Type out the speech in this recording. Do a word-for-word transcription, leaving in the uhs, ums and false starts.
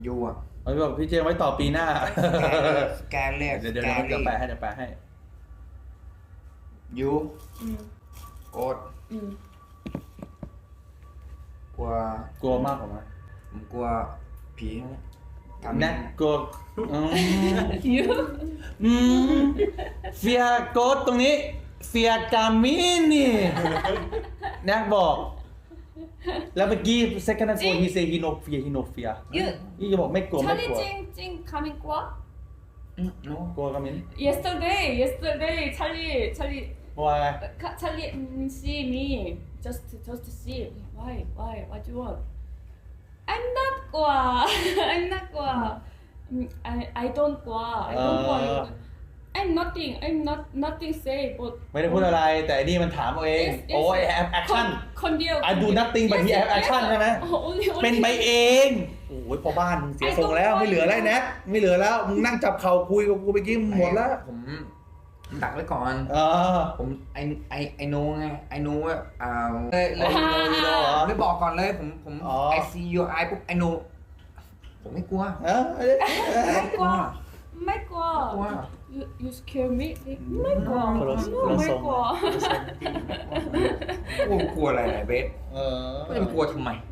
ยูอ่ะเอาบอกพี่เจมไว้ต่อปีหน้าสแกนเรียกเดี๋ยวเดี๋ยวสแกนเดี๋ยวแปลเรียกให้เดี๋ยวแปลให้ยูอืมโกดอืมกลัวกลัวมากกว่าไหมผมกลัวผีทำแนะกลัวอืมยูอืมเฟียโกดตรงนี้เฟียกามินี่แนะบอก แล้วเมื่อกี้ second and four he say he no fear he no fear ยูนี่จะบอกไม่กลัวไม่ 찰리 กลัว 찡찡 coming 과? อืมโน้กลัวกามิน Yesterday, yesterday 찰리 찰리 ว่าไง 카- 찰리 mm, see me just just see why why what you want? I'm not 과 I'm not 과 Mm, I I don't 과 I don't 과 I'm nothing I'm not nothing say but ไม่ได้พูดอะไร แต่อันนี่มันถามเอาเอง Yes, yes. โอ้ยแอปแอคชั่นคนเดียว I do nothing but he have action ใช่ไหม only only เป็นไปเอง โอ้ยพอบ้านมึงเสียทรงแล้วไม่เหลือแล้วแนะไม่เหลือแล้วมึงนั่งจับเข่าคุยกับกูไปกี้หมดแล้วผมดักไว้ก่อนเออผมไอไอไอโนไงไอโนว่าอ่าเลยเลยอ๋อเลยเลยผมไม่บอกก่อนเลยผมผมอ๋อไอซียูไอปุ๊บไอโนผมไม่กลัวเออไม่กลัวไม่กลัวกลัว you you scare me ไม่กลัวคนละคนละไม่ทรงกลัวกลัวกลัวอะไรไหนเบสเออก็จะไปกลัวทำไม 아